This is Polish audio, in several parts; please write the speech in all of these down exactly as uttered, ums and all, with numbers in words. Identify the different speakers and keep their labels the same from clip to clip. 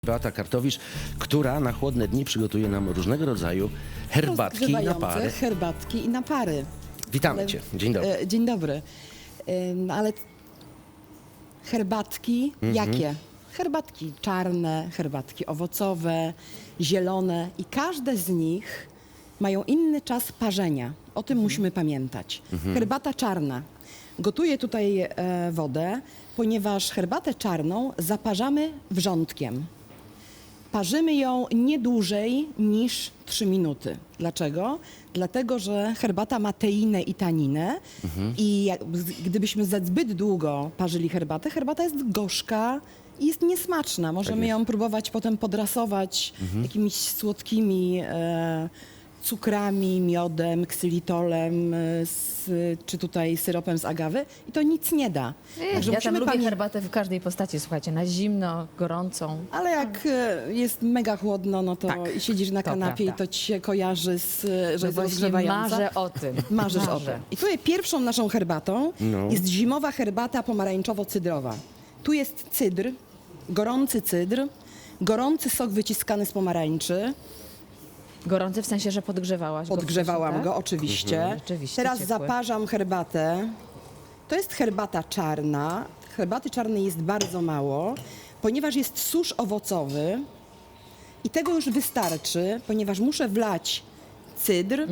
Speaker 1: Beata Kartowicz, która na chłodne dni przygotuje nam różnego rodzaju herbatki i napary.
Speaker 2: Herbatki i napary.
Speaker 1: Witamy
Speaker 2: Ale-
Speaker 1: Cię. Dzień dobry.
Speaker 2: e, Dzień dobry. Ym, Ale herbatki jakie? Herbatki czarne, herbatki owocowe, zielone i każde z nich mają inny czas parzenia. O tym musimy pamiętać. Herbata czarna. Gotuję tutaj e, wodę, ponieważ herbatę czarną zaparzamy wrzątkiem. Parzymy ją nie dłużej niż trzy minuty. Dlaczego? Dlatego, że herbata ma teinę i taninę i jak, gdybyśmy za zbyt długo parzyli herbatę, herbata jest gorzka i jest niesmaczna. Możemy
Speaker 1: jest.
Speaker 2: ją próbować potem podrasować jakimiś słodkimi e, cukrami, miodem, ksylitolem, e, z, czy tutaj syropem z agawy i to nic nie da. Także
Speaker 3: Ja tam
Speaker 2: musimy
Speaker 3: lubię
Speaker 2: pamię-
Speaker 3: herbatę w każdej postaci, słuchajcie, na zimno, gorącą.
Speaker 2: Ale jak e, jest mega chłodno, no to
Speaker 3: Tak,
Speaker 2: i siedzisz na
Speaker 3: to
Speaker 2: kanapie
Speaker 3: prawda.
Speaker 2: i to ci się kojarzy, z, że
Speaker 3: No
Speaker 2: jest
Speaker 3: właśnie
Speaker 2: rozgrzewająca.
Speaker 3: marzę o tym.
Speaker 2: Marzysz o
Speaker 3: Marzę.
Speaker 2: tym. I tutaj pierwszą naszą herbatą
Speaker 1: No.
Speaker 2: jest zimowa herbata pomarańczowo-cydrowa. Tu jest cydr, gorący cydr, gorący sok wyciskany z pomarańczy.
Speaker 3: Gorący w sensie, że podgrzewałaś go
Speaker 2: Podgrzewałam
Speaker 3: wcześniej,
Speaker 2: go
Speaker 3: tak?
Speaker 2: oczywiście.
Speaker 3: Rzeczywiście
Speaker 2: Teraz
Speaker 3: ciepły.
Speaker 2: zaparzam herbatę. To jest herbata czarna. Herbaty czarnej jest bardzo mało, ponieważ jest susz owocowy i tego już wystarczy, ponieważ muszę wlać cydr.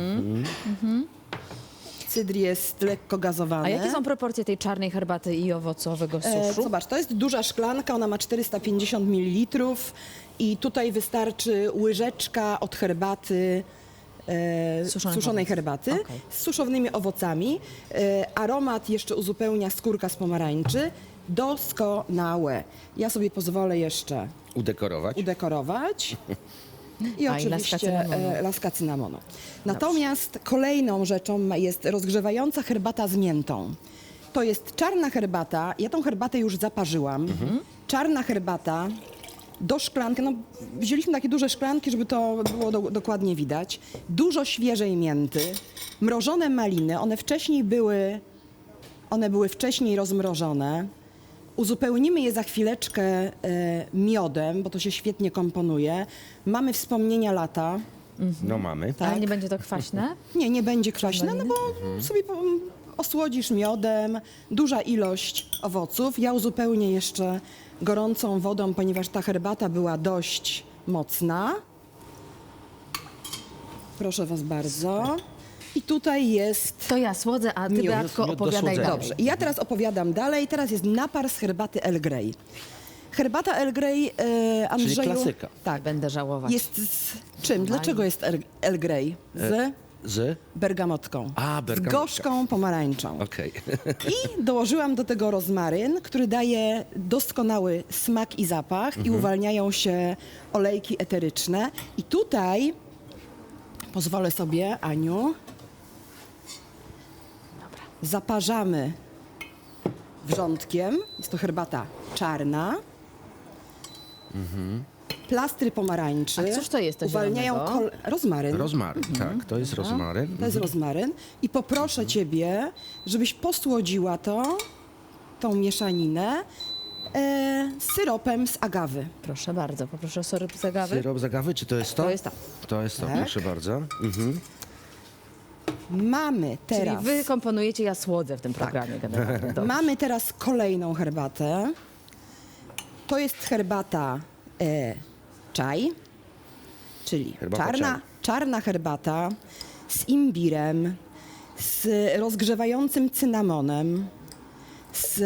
Speaker 2: Cydr jest lekko gazowany.
Speaker 3: A jakie są proporcje tej czarnej herbaty i owocowego
Speaker 2: E,
Speaker 3: suszu?
Speaker 2: Zobacz, to jest duża szklanka, ona ma czterysta pięćdziesiąt mililitrów i tutaj wystarczy łyżeczka od herbaty, e,
Speaker 3: Suszonych
Speaker 2: suszonej
Speaker 3: owoców.
Speaker 2: herbaty
Speaker 3: Okej.
Speaker 2: z suszonymi owocami. E, aromat jeszcze uzupełnia skórka z pomarańczy. Doskonałe. Ja sobie pozwolę jeszcze
Speaker 1: Udekorować.
Speaker 2: udekorować. I
Speaker 3: A, i laska
Speaker 2: oczywiście
Speaker 3: cynamonu.
Speaker 2: e, laska cynamonu. Natomiast kolejną rzeczą ma- jest rozgrzewająca herbata z miętą. To jest czarna herbata. Ja tą herbatę już zaparzyłam. Czarna herbata do szklanki. No, wzięliśmy takie duże szklanki, żeby to było do, dokładnie widać. Dużo świeżej mięty. Mrożone maliny. One wcześniej były, one były wcześniej rozmrożone. Uzupełnimy je za chwileczkę e, miodem, bo to się świetnie komponuje. Mamy wspomnienia lata.
Speaker 1: No mamy.
Speaker 2: tak.
Speaker 3: Ale nie będzie to kwaśne?
Speaker 2: Nie, nie będzie kwaśne, no bo
Speaker 1: Mhm.
Speaker 2: sobie po- osłodzisz miodem, duża ilość owoców. Ja uzupełnię jeszcze gorącą wodą, ponieważ ta herbata była dość mocna. Proszę was bardzo. I tutaj jest...
Speaker 3: To ja słodzę, a ty,
Speaker 2: Miód.
Speaker 3: Beatko,
Speaker 1: Miód do
Speaker 3: opowiadaj
Speaker 1: słodzenia.
Speaker 3: dalej.
Speaker 2: Dobrze, i ja teraz opowiadam dalej. Teraz jest napar z herbaty Earl Grey. Herbata Earl Grey, e, Andrzeju...
Speaker 1: klasyka.
Speaker 2: Tak.
Speaker 3: Będę żałować.
Speaker 2: Jest z czym? Dlaczego jest Earl- Earl Grey? Z
Speaker 1: Z?
Speaker 2: bergamotką.
Speaker 1: A,
Speaker 2: Z
Speaker 1: bergamotka.
Speaker 2: gorzką pomarańczą.
Speaker 1: Okej.
Speaker 2: I dołożyłam do tego rozmaryn, który daje doskonały smak i zapach i uwalniają się olejki eteryczne. I tutaj pozwolę sobie, Aniu, zaparzamy wrzątkiem. Jest to herbata czarna. Plastry pomarańczy.
Speaker 3: A cóż to jest to
Speaker 2: uwalniają
Speaker 3: zielonego?
Speaker 2: kol- rozmaryn.
Speaker 1: Rozmaryn, tak. To jest rozmaryn.
Speaker 2: To jest rozmaryn. I poproszę Ciebie, żebyś posłodziła to, tą mieszaninę e, syropem z agawy.
Speaker 3: Proszę bardzo, poproszę o syrop z agawy.
Speaker 1: Syrop z agawy, czy to jest to?
Speaker 3: To jest to.
Speaker 1: To jest to,
Speaker 2: Tak.
Speaker 1: proszę bardzo. Mhm.
Speaker 2: Mamy teraz,
Speaker 3: Czyli wy komponujecie, ja słodzę w tym programie generalnie. Dobrze.
Speaker 2: mamy teraz kolejną herbatę. To jest herbata e, czaj, czyli
Speaker 1: Herbata
Speaker 2: czarna,
Speaker 1: czaj.
Speaker 2: czarna herbata z imbirem, z rozgrzewającym cynamonem, z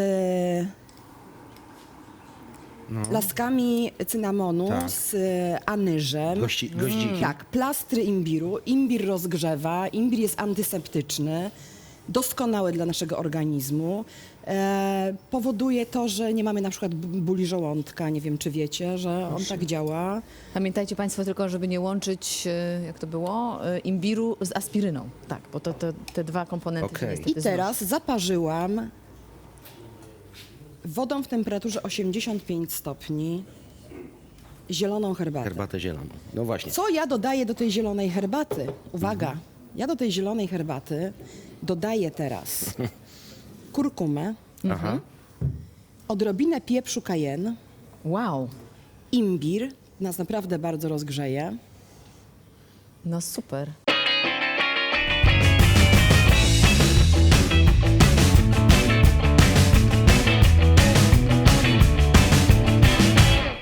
Speaker 2: laskami cynamonu,
Speaker 1: Tak.
Speaker 2: z anyżem.
Speaker 1: Gości, goździki.
Speaker 2: Tak, plastry imbiru. Imbir rozgrzewa, imbir jest antyseptyczny, doskonały dla naszego organizmu. E, powoduje to, że nie mamy na przykład b- bóli żołądka, nie wiem czy wiecie, że on tak działa.
Speaker 3: Pamiętajcie Państwo tylko, żeby nie łączyć, e, jak to było, e, imbiru z aspiryną. Tak, bo to, to te dwa komponenty się
Speaker 1: Okej.
Speaker 3: niestety
Speaker 2: I teraz zaparzyłam wodą w temperaturze osiemdziesiąt pięć stopni zieloną herbatę.
Speaker 1: Herbatę zieloną. No właśnie.
Speaker 2: Co ja dodaję do tej zielonej herbaty? Uwaga, ja do tej zielonej herbaty dodaję teraz kurkumę,
Speaker 1: Aha.
Speaker 2: odrobinę pieprzu cayenne,
Speaker 3: Wow.
Speaker 2: Imbir nas naprawdę bardzo rozgrzeje.
Speaker 3: No super.